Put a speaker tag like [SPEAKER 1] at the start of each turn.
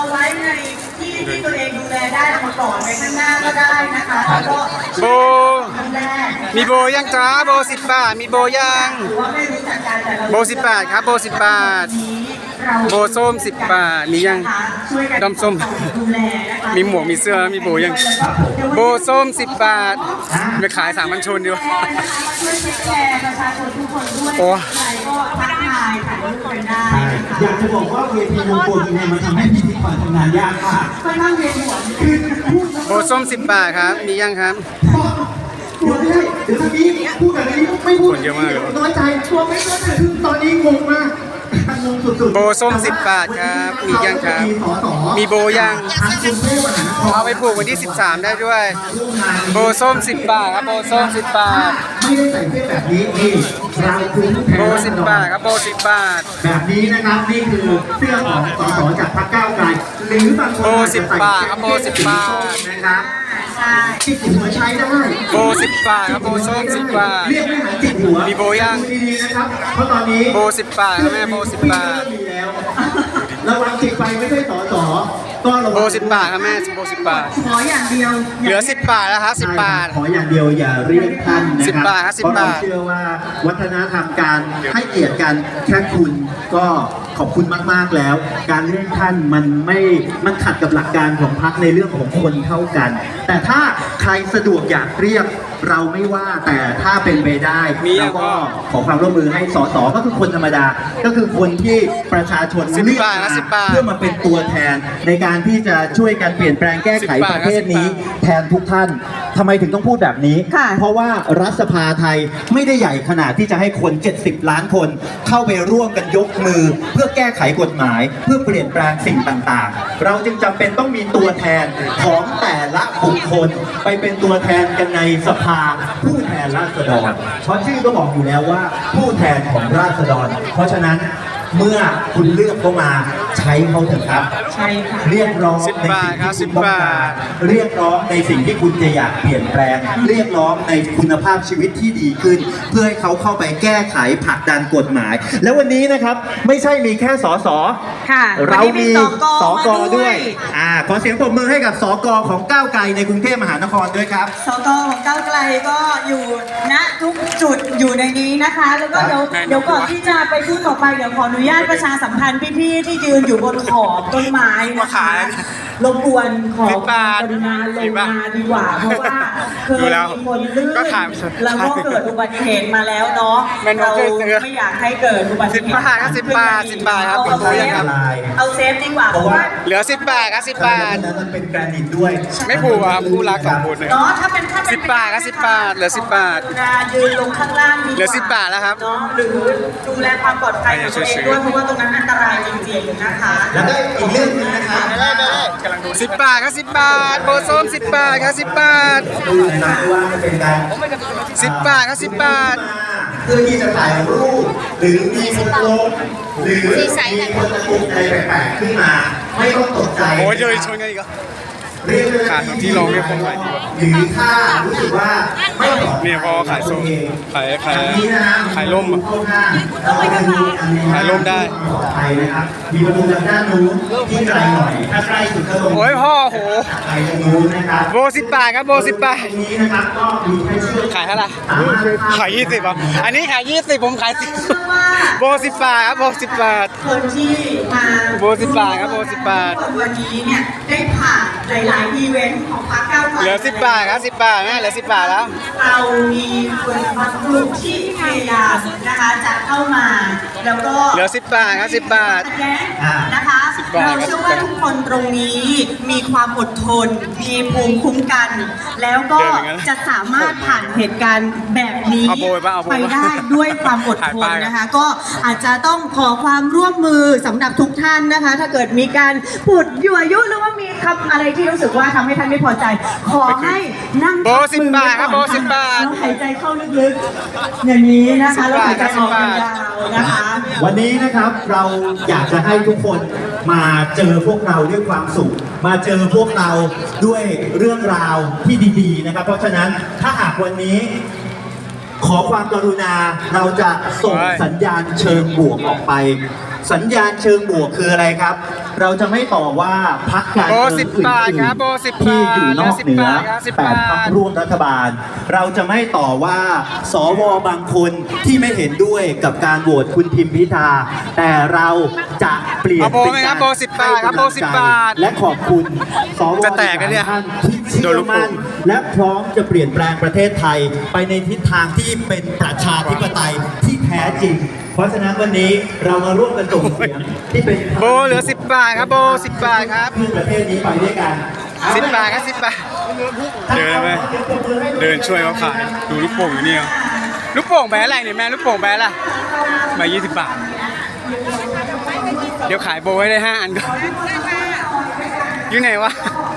[SPEAKER 1] ไว้ในที่ที่ตัวเองดูแลได้เอามาก่อนไปข้างหน้าก็ได้นะคะแล้วก็
[SPEAKER 2] โบ
[SPEAKER 1] ครั้งแรก
[SPEAKER 2] มีโบยังจ้าโบ10 บาทมีโบยัง
[SPEAKER 1] หรือว่าไม่รู้จักการแต่เรา
[SPEAKER 2] โบ10 บาทครับโบ10 บาท
[SPEAKER 1] เรา
[SPEAKER 2] โบส้ม10 บาทมียัง
[SPEAKER 1] ช่วยกัน
[SPEAKER 2] ดอมส้ม
[SPEAKER 1] ดูแลนะคะ
[SPEAKER 2] มีหมวกมีเสื้อมีโบยังโบส้ม10 บาทไปขาย3,000ชนดีกว่า
[SPEAKER 1] ช่วยเช็คแชร์ประชาชนทุกคนด้วย
[SPEAKER 2] โอ้
[SPEAKER 1] ใครก็ทักทายถ่ายรูปกันได้นะคะ
[SPEAKER 3] อยากจะบอกว่าเวทีวงโปรเนี่ยมันทำให้พิธีกรทำงานยากมาก
[SPEAKER 1] ค่อนข้างเวียนหัว
[SPEAKER 3] คือพูด
[SPEAKER 2] โบส้ม10 บาทครับมียังครับ
[SPEAKER 3] ตัวไม่ได้เดี๋ยวตอนนี้พูดแบบนี้ไม่พูด
[SPEAKER 2] คนเยอะมากเลย
[SPEAKER 3] น้อยใจตัวไม่เข้าใจคือตอนนี้งงมากงงสุดๆ
[SPEAKER 2] โบส้ม10 บาทครับมียังครับมีโบยัง
[SPEAKER 3] ทางกรุงเทพมหานคร
[SPEAKER 2] เอาไปผูกวันที่13ได้ด้วยโบส้ม10 บาทครับโบส้ม10 บาท
[SPEAKER 3] ไม่ได้ใส่เสื้อแบบนี้นี่เราคือผู้แทน
[SPEAKER 2] โบ
[SPEAKER 3] ราษฎร
[SPEAKER 2] 10 บาทครับโบ10 บาท
[SPEAKER 3] แบบนี้นะครับนี่คือเสื้อของสสจากพรรคก้าวไกลหรือบางคน
[SPEAKER 2] โบ
[SPEAKER 3] อาจจะ
[SPEAKER 2] 10
[SPEAKER 3] ใส่
[SPEAKER 2] บาทครับโบ10 บาท
[SPEAKER 3] นะครับ
[SPEAKER 1] ใช่
[SPEAKER 3] จิกหัวใช้ได้
[SPEAKER 2] โบ10 บาทครับโบส้ม10 บาท
[SPEAKER 3] เรียกไม่หาจิกหัว
[SPEAKER 2] มีโบยัง
[SPEAKER 3] ดูดีๆนะครับเพราะตอนนี้
[SPEAKER 2] โบ10 บาทครับแม่โบ10 บาท
[SPEAKER 3] มีแล้วระวังจิกไปไม่ใช่สสก็ระวัง
[SPEAKER 2] โบ10 บาทครับแม่โบ10 บาท
[SPEAKER 1] ขออย่างเดียว
[SPEAKER 2] เหลือ10 บาทแล้วครับ10 บาท
[SPEAKER 3] ขออย่างเดียวอย่าเรียกท่านนะครั
[SPEAKER 2] 10 บาทครับ10
[SPEAKER 3] เพราะเรา
[SPEAKER 2] บาท
[SPEAKER 3] เชื่อว่าวัฒนธรรมการให้เกียรติกันแค่คุณก็ขอบคุณมากๆแล้ว การเรียกท่านมันขัดกับหลักการของพรรคในเรื่องของคนเท่ากัน แต่ถ้าใครสะดวกอยากเรียกเราไม่ว่าแต่ถ้าเป็นไปได้
[SPEAKER 2] มี
[SPEAKER 3] เราก็ขอความร่วมมือให้สสก็คือคนธรรมดา ก็คือคนที่ประชาชน
[SPEAKER 2] 10
[SPEAKER 3] เลือก
[SPEAKER 2] บาท
[SPEAKER 3] มา
[SPEAKER 2] นะ10 บาท
[SPEAKER 3] เพื่อมาเป็นตัวแทนในการที่จะช่วยกันเปลี่ยนแปลงแก้ไข
[SPEAKER 2] 10 บา
[SPEAKER 3] ป
[SPEAKER 2] ท
[SPEAKER 3] ระเทศนี้
[SPEAKER 2] 10 บาท
[SPEAKER 3] แทนทุกท่านทำไมถึงต้องพูดแบบนี้
[SPEAKER 1] ค่ะ
[SPEAKER 3] เพราะว่ารัฐสภาไทยไม่ได้ใหญ่ขนาดที่จะให้คน 70 ล้านคน เข้าไปร่วมกันยกมือ เพื่อแก้ไขกฎหมาย เพื่อเปลี่ยนแปลงสิ่งต่างๆ เราจึงจำเป็นต้องมีตัวแทนของแต่ละบุคคล ไปเป็นตัวแทนกันในสภาผู้แทนราษฎรเพราะชื่อก็บอกอยู่แล้วว่าผู้แทนของราษฎร เพราะฉะนั้นเมื่อคุณเลือกเขามาใช้เขาเถอะครับ
[SPEAKER 1] ใช่ค่ะ
[SPEAKER 3] เรียกร้อง
[SPEAKER 2] 10
[SPEAKER 3] ใน
[SPEAKER 2] บาท
[SPEAKER 3] สิ่ง
[SPEAKER 2] ครับ
[SPEAKER 3] ที่
[SPEAKER 2] 10
[SPEAKER 3] คุณต้อง
[SPEAKER 2] บา
[SPEAKER 3] การ
[SPEAKER 2] ท
[SPEAKER 3] เรียกร้องในสิ่งที่คุณจะอยากเปลี่ยนแปลง เรียกร้องในคุณภาพชีวิตที่ดีขึ้น เพื่อให้เขาเข้าไปแก้ไขผลักดันกฎหมาย แล้ววันนี้นะครับไม่ใช่มีแค่สส
[SPEAKER 1] ค่ะ
[SPEAKER 3] เรามี
[SPEAKER 1] ส
[SPEAKER 3] ส
[SPEAKER 1] ก
[SPEAKER 3] ก
[SPEAKER 1] มา
[SPEAKER 3] ด้วยขอเสียงปรบมือให้กับสกของก้าวไกลในกรุงเทพมหานครด้วยครับ
[SPEAKER 1] สกของก้าวไกลก็อยู่ณทุกจุดอยู่ในนี้นะคะ แล้วก็เดี๋ยวก่อนที่จะไปพูดต่อไปเดี๋ยวขออนุญาตประชาสัมพันธ์พี่ๆที่ยืนอยู่บนขอบต้นไม้นะคะรบกวนขอความกรุณาลงมาดีกว่าเพราะว่าเคยมีคนลื่น
[SPEAKER 2] ก็ถาม
[SPEAKER 1] แล้วก็เกิดอุบัติเหตุมาแล้วเนาะ
[SPEAKER 2] แม่นก
[SPEAKER 1] เรา
[SPEAKER 2] ช่วยซื้อ
[SPEAKER 1] ไม่อยากให้เกิดอุบัติเหตุ
[SPEAKER 2] 10 บาทครับ10 บาท10 บาทครับ
[SPEAKER 1] เอาเซฟ
[SPEAKER 2] ครับ
[SPEAKER 1] เอาเซฟดีกว่าเพราะว่า
[SPEAKER 2] เหลือ 10 บาทครับ10 บาท
[SPEAKER 3] นั้นมันเป็นแกรนิตด้วย
[SPEAKER 2] ไม่ผูกอะครับคู่รัก2คนเลย
[SPEAKER 1] เนาะถ้าเป็น
[SPEAKER 2] 10 บาทครับ10 บาทเหลือ10 บาท
[SPEAKER 1] กรุณายืนลงข้างล่างดีกว่า
[SPEAKER 2] เหลือ10 บาทแล้วครับ
[SPEAKER 1] เนาะหรือดูแลความปลอดภัยของตัวเองด้วยเพราะว่าตรงนั้นอันตรายจริงๆนะคะ
[SPEAKER 3] แล้วก็อีกเรื่องหนึงนะครับ
[SPEAKER 2] 10 บาทครับ10 บาทโบส้ม10 บาทครับ10 บาท
[SPEAKER 3] ดูนะครับว่ามันเป็นการ
[SPEAKER 2] 10 บาทครับ10 บาท
[SPEAKER 3] เพื่อที่จะถ่ายรูปหรือมีคนลงหรือมีคนตะกุกอะไรแปลกๆขึ้นมา ไม่ต้องตกใจ
[SPEAKER 2] โอ้ยเดี๋ยวชนกันอีกเหรอ
[SPEAKER 3] เรียกเลย
[SPEAKER 2] ขาดตรงที่รองเรียกคนใหม่ดีกว่า
[SPEAKER 3] หรือถ้ารู้สึกว่าไม่ปลอดภั
[SPEAKER 2] เนี่ยพอขายส้มขาย
[SPEAKER 3] อันนี้นะฮะ
[SPEAKER 2] ขายร่มอะ
[SPEAKER 3] เข้าข้างเราไปดูอันนี้นะ
[SPEAKER 2] ขายร่มได้
[SPEAKER 3] ปลอดภัยนะครับมีประตูทางด้านนู้นที่ไกลหน่อยถ้าใกล้สุดก็ลง
[SPEAKER 2] โอ้ยพ่อโห
[SPEAKER 3] ไปตรงนู้นนะครับ
[SPEAKER 2] โบ10 บาทครับโบ10 บาท
[SPEAKER 3] ตรงนี้นะครับก็มีแค่เชือก
[SPEAKER 2] ขายเท่าไหร่ขาย20อ่ะอันนี้ขาย20ผมขาย
[SPEAKER 1] เชื่อว่า
[SPEAKER 2] 10โบ10 บาทครับโบ10 บาท
[SPEAKER 1] คนที่มา
[SPEAKER 2] โบ10 บาทครับโบ10 บาท
[SPEAKER 1] วันนี้เนี่ยได้ผ่านหลายๆอีเวนต์ของพรรคก้าวไกล
[SPEAKER 2] เหลือ10 บาทครับ10 บาทนะเหลือ10 บาทแล้ว
[SPEAKER 1] เรามีคนบางกลุ่มที่พยายามนะคะจะเข้ามาแล้วก็
[SPEAKER 2] เหลือ10 บาทครับ10 บาท
[SPEAKER 1] ขัดแย้งนะคะ
[SPEAKER 2] 10 บาท
[SPEAKER 1] เราเชื่อว่าทุกคนตรงนี้มีความอดทน มีภูมิคุ้มกัน แล้วก็จะสามารถผ่านเหตุการณ์แบบนี้
[SPEAKER 2] เอาโบยป่ะเอาโบย
[SPEAKER 1] ไป
[SPEAKER 2] ป่ะ
[SPEAKER 1] ได้ด้วยความอดทนนะคะ ก็อาจจะต้องขอความร่วมมือสำหรับทุกท่านนะคะ ถ้าเกิดมีการพูดยั่วยุหรือว่ามีคำอะไรที่รู้สึกว่าทำให้ท่านไม่พอใจ ขอให้นั่ง
[SPEAKER 2] โบ10 บาทครับโบ10 บาท
[SPEAKER 1] แล้วหายใจเข้าลึกๆอย่างนี้นะคะแล้วหายใจออกยาวๆนะคะ
[SPEAKER 3] วันนี้นะครับเราอยากจะให้ทุกคนมาเจอพวกเราด้วยความสุข มาเจอพวกเราด้วยเรื่องราวที่ดีๆนะครับ เพราะฉะนั้นถ้าหากวันนี้ ขอความกรุณาเราจะส่งสัญญาณเชิงบวกออกไปสัญญาณเชิงบวกคืออะไรครับ เราจะไม่ต่อว่าพรรคการ
[SPEAKER 2] โบ
[SPEAKER 3] เมือง
[SPEAKER 2] 10
[SPEAKER 3] อื่
[SPEAKER 2] บาท
[SPEAKER 3] น
[SPEAKER 2] ครับโบ10
[SPEAKER 3] ๆที่อยู่นอกเหนือ
[SPEAKER 2] 10 บาทครับ10
[SPEAKER 3] 8 พรรค
[SPEAKER 2] บาท
[SPEAKER 3] ร่วมรัฐบาล เราจะไม่ต่อว่าสวบางคนที่ไม่เห็นด้วยกับการโหวตคุณทิมพิธาแต่เราจะเปลี่ยน
[SPEAKER 2] เอาโบไหมครับโบ10 บาทครับโบ10 บาท
[SPEAKER 3] และขอบคุณสว
[SPEAKER 2] จะแตกนะเนี่ย
[SPEAKER 3] ท่านที่เชื่
[SPEAKER 2] โดน
[SPEAKER 3] อ
[SPEAKER 2] ลูกโป่
[SPEAKER 3] มั่น
[SPEAKER 2] ง
[SPEAKER 3] และพร้อมจะเปลี่ยนแปลงประเทศไทย ไปในทิศทางที่เป็นประชาธิปไตยที่แท้จริง เพราะฉะนั้นวันนี้เรามาร่วมกันส่งเสียงที่เป็น
[SPEAKER 2] โบเหลือ 10 บาทครับโบ10 บาทครับ
[SPEAKER 3] ขึ้นประเทศนี้ไปด้วยกัน
[SPEAKER 2] 10 บาทครับ10 บาท เดินไหมเดินช่วยเขาขาย ดูลูกโป่งอยู่นี่เอาลูกโป่งแบอะไรเนี่ยแม่ลูกโป่งแบอะไรมา20 บาท เดี๋ยวขายโบให้ได้5 อันก่อนอยู่ไหนวะ